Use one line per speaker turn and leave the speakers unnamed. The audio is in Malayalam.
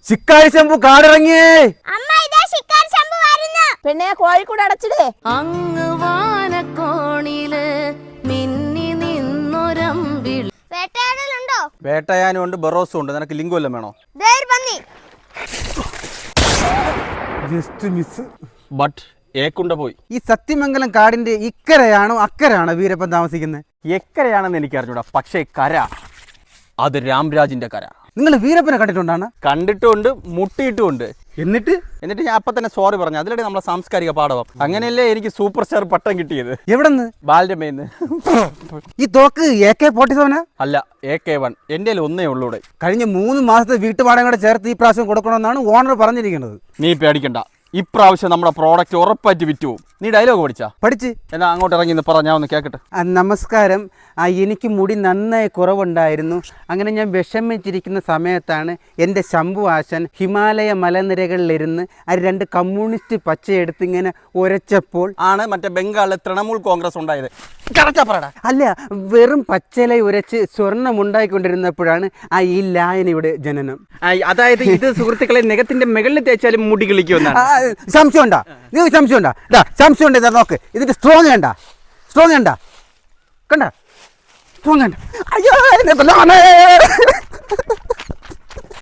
ശിക്കാരി ശംഭു കാടിറങ്ങിയേ.
പെണ്ണെ കോഴിക്കൂട് അടച്ചിടേ.
അങ്ങ് വാനക്കോണില് മിന്നി നിന്നൊരമ്പിളി.
വേട്ടയാടലുണ്ടോ?
വേട്ടയാനും ഉണ്ട്, ബറോസും ഉണ്ട്. നിനക്ക് ലിംഗം വല്ലതും വേണോ? Just miss. ബട്ട് ഏക്കുണ്ട പോയി.
ഈ സത്യമംഗലം കാടിന്റെ ഇക്കരയാണോ അക്കരയാണോ വീരപ്പൻ താമസിക്കുന്നത്?
എക്കരയാണെന്ന് എനിക്ക് അറിഞ്ഞൂടാ, പക്ഷേ കര അത് രാംരാജിന്റെ കര.
നിങ്ങൾ വീരപ്പനെ കണ്ടിട്ടുണ്ടാണ്?
കണ്ടിട്ടുമുണ്ട്, മുട്ടിയിട്ടുമുണ്ട്.
എന്നിട്ട്
ഞാൻ അപ്പൊ തന്നെ സോറി പറഞ്ഞു. അതിലൂടെ നമ്മളെ സാംസ്കാരിക പാഠവം. അങ്ങനെയല്ലേ എനിക്ക് സൂപ്പർ സ്റ്റാർ പട്ടം കിട്ടിയത്.
എവിടെന്ന്?
ബാലരമേന്ന്.
ഈ തോക്ക് AK-47?
അല്ല, AK-1. എൻ്റെ ഒന്നേ ഉള്ളൂടെ.
കഴിഞ്ഞ 3 മാസത്തെ വീട്ടുപാടം കൂടെ ചേർത്ത് ഈ പ്രാവശ്യം കൊടുക്കണമെന്നാണ് ഓണർ പറഞ്ഞിരിക്കുന്നത്.
നീ പേടിക്കണ്ട, ഇപ്രാവശ്യം നമ്മുടെ പ്രോഡക്റ്റ് ഉറപ്പായിട്ട് വിറ്റു പോകും. നീ ഡയലോഗ്
പഠിച്ച്
എന്നാ അങ്ങോട്ട് ഇറങ്ങി പറ, ഞാൻ ഒന്ന് കേൾക്കട്ടെ.
നമസ്കാരം. എനിക്ക് മുടി നന്നായി കുറവുണ്ടായിരുന്നു. അങ്ങനെ ഞാൻ വിഷമിച്ചിരിക്കുന്ന സമയത്താണ് എൻ്റെ ശംഭു ആശൻ ഹിമാലയ മലനിരകളിലിരുന്ന് 2 കമ്മ്യൂണിസ്റ്റ് പച്ചയെടുത്ത് ഇങ്ങനെ ഉരച്ചപ്പോൾ
ആണ് മറ്റേ ബംഗാളിലെ തൃണമൂൽ കോൺഗ്രസ് ഉണ്ടായത്.
അല്ല, വെറും പച്ചല ഉരച്ച് സ്വർണം ഉണ്ടായിക്കൊണ്ടിരുന്നപ്പോഴാണ് ഈ ലായനയുടെ ജനനം.
അതായത് ഇത് സുഹൃത്തുക്കളെ നഖത്തിന്റെ മുകളിൽ തേച്ചാലും മുടി കിളിക്കുമെന്നാണ്.
സംശയമുണ്ടാ? നിങ്ങൾക്ക് സംശയമുണ്ടാ? സംശയമുണ്ട്. ഇതാ നോക്ക്, ഇതിന്റെ സ്ട്രോങ് കണ്ട? കണ്ട? സ്ട്രോങ് കണ്ട? അയ്യോ.